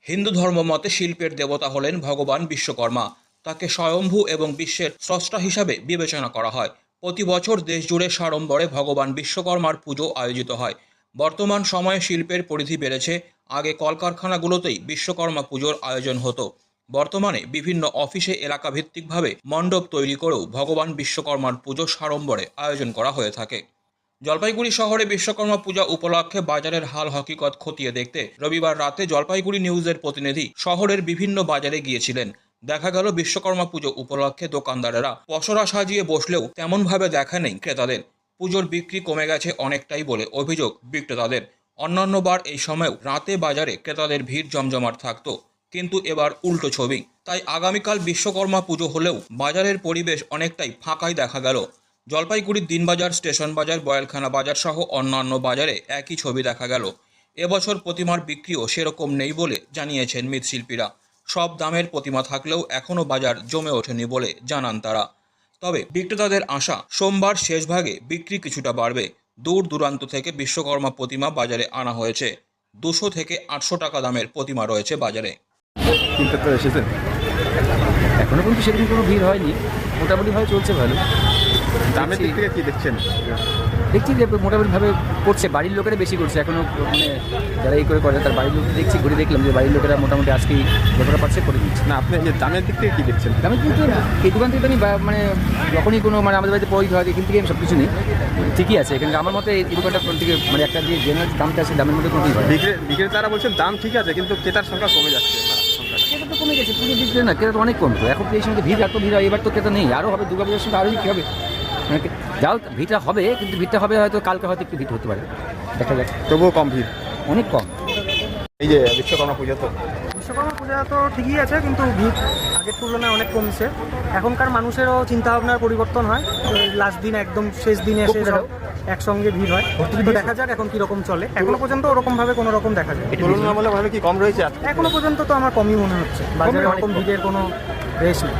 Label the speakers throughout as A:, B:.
A: হিন্দু ধর্ম মতে শিল্পের দেবতা হলেন ভগবান বিশ্বকর্মা। তাকে স্বয়ম্ভু এবং বিশ্বের স্রষ্টা হিসাবে বিবেচনা করা হয়। প্রতি বছর দেশজুড়ে সাড়ম্বরে ভগবান বিশ্বকর্মার পুজো আয়োজিত হয়। বর্তমান সময়ে শিল্পের পরিধি বেড়েছে। আগে কলকারখানাগুলোতেই বিশ্বকর্মা পুজোর আয়োজন হতো। বর্তমানে বিভিন্ন অফিসে এলাকাভিত্তিকভাবে মণ্ডপ তৈরি করেও ভগবান বিশ্বকর্মার পুজো সাড়ম্বরে আয়োজন করা হয়ে থাকে। জলপাইগুড়ি শহরে বিশ্বকর্মা পূজা উপলক্ষে বাজারের হাল হকিকত খতিয়ে দেখতে রবিবার রাতে জলপাইগুড়ি নিউজের প্রতিনিধি শহরের বিভিন্ন বাজারে গিয়েছিলেন। দেখা গেল বিশ্বকর্মা পুজো উপলক্ষে দোকানদারেরা পসরা সাজিয়ে বসলেও তেমনভাবে দেখা নেই ক্রেতাদের। পুজোর বিক্রি কমে গেছে অনেকটাই বলে অভিযোগ বিক্রেতাদের। অন্যান্যবার এই সময়েও রাতে বাজারে ক্রেতাদের ভিড় জমজমাট থাকতো, কিন্তু এবার উল্টো ছবি। তাই আগামীকাল বিশ্বকর্মা পুজো হলেও বাজারের পরিবেশ অনেকটাই ফাঁকাই দেখা গেল। জলপাইগুড়ির দিনবাজার, স্টেশন বাজার, বয়েলখানা বাজার সহ অন্যান্য বাজারে একই ছবি দেখা গেল। এবছর প্রতিমার বিক্রিও সেরকম নেই বলে জানিয়েছেন মৃৎশিল্পীরা। সব দামের প্রতিমা থাকলেও এখনও বাজার জমে ওঠেনি বলে জানান তারা। তবে বিক্রেতাদের আশা সোমবার শেষ ভাগে বিক্রি কিছুটা বাড়বে। দূর দূরান্ত থেকে বিশ্বকর্মা প্রতিমা বাজারে আনা হয়েছে। 200 থেকে 800 টাকা দামের প্রতিমা রয়েছে বাজারে।
B: কিনতে তো এসেছেন?
C: এখনো কিন্তু সেরকম কোনো ভিড় হয়নি, মোটামুটিভাবে চলছে ভালো।
B: দামের দিক থেকে কি দেখছেন?
C: দেখছি যে মোটামুটিভাবে করছে, বাড়ির লোকেরা বেশি করছে এখনও, মানে যারা এই করে তার বাড়ির লোক দেখছি, ঘুরে দেখলাম যে বাড়ির লোকেরা মোটামুটি আজকেই যতটা পারছে করে দিচ্ছে।
B: না, আপনি যে দামের দিক থেকে কি দেখছেন?
C: দামের কিন্তু এই দোকান থেকে আমি মানে যখনই কোনো মানে আমাদের বাড়িতে পয়সা হয় এখান থেকে আমি সব কিছু নিই, ঠিকই আছে। এখানে আমার মতে এই দোকানটা থেকে মানে একটা যে জেনারেল দামটা আছে দামের মধ্যে কোনো হয়।
B: বিক্রেতারা বলছেন দাম ঠিক আছে, কিন্তু ক্রেতার সংখ্যা কমে যাচ্ছে।
C: ক্রেতা তো কমে গেছে, পুজো বিক্রি না, ক্রেতা তো অনেক কমতো। এখন তো এই সময় ভিড়, এত ভিড় হয়, এবার তো ক্রেতা নেই, আরও হবে, দুর্গাপূজার সময় আরও কী হবে। মানে যাও ভিড়টা হবে, কিন্তু ভিড়টা হবে হয়তো কালকে হয়তো একটু ভিড় হতে পারে, দেখা যাক।
B: তবুও কম ভিড়,
C: অনেক কম।
B: এই যে বিশ্বকর্মা পূজা
D: তো ঠিকই আছে, কিন্তু ভিড় আগের তুলনায় অনেক কমছে। এখনকার মানুষেরও চিন্তাভাবনার পরিবর্তন হয়। লাস্ট দিন একদম শেষ দিনে এসে সব একসঙ্গে ভিড় হয়। তো দেখা যাক এখন কীরকম চলে। এখনো পর্যন্ত ওরকমভাবে কোনো রকম দেখা যায়।
B: তুলনামূলকভাবে কি কম রয়েছে?
D: এখনো পর্যন্ত তো আমার কমই মনে হচ্ছে, বাজারে ওরকম ভিড়ের কোনো রেশ নেই।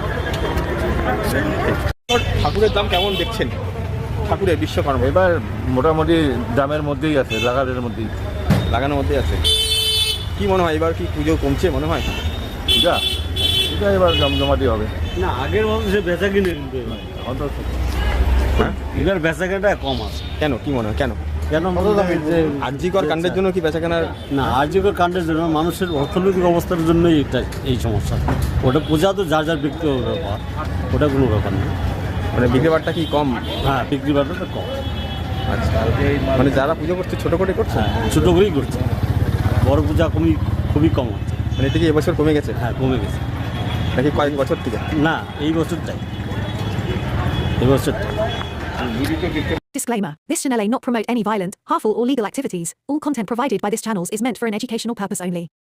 B: ঠাকুরের দাম কেমন দেখছেন? ঠাকুরের বিশ্বকর্মা
E: এবার মোটামুটি দামের মধ্যেই আছে, লাগানোর মধ্যেই
B: আছে। কি মনে হয় এবার কি পুজো কমছে মনে হয়?
E: যা এটা এবার জমজমাটি হবে
F: না, আগের মতো সে বেচা কিনে কিন্তু
E: অন্তত।
B: হ্যাঁ,
F: এবার বেচা কেনাটা কম আছে।
B: কেন, কি মনে হয় কেন?
F: কেন
B: আরজিকর কাণ্ডের জন্য কি বেচা কেনার?
F: না, আর্যিকর কাণ্ডের জন্য মানুষের অর্থনৈতিক অবস্থার জন্যই এটা এই সমস্যা। ওটা পূজা তো যার যার ব্যক্তিগত ব্যাপার, ওটা কোনো ব্যাপার না।
B: মানে বিক্রি বাট্টা কি কম?
F: হ্যাঁ, বিক্রি বাট্টাটা কম।
B: আচ্ছা, মানে যারা পুজো করছে ছোটো করে করছে?
F: হ্যাঁ, ছোটো করেই করছে, বড় পূজা খুবই কম হচ্ছে।
B: মানে এটা কি এবছর কমে গেছে?
F: হ্যাঁ, কমে গেছে।
B: নাকি কয়েক বছর থেকে?
F: না, এই বছরটাই।
G: Disclaimer. This channel may not promote any violent, harmful or legal activities. All content provided by this channel is meant for an educational purpose only.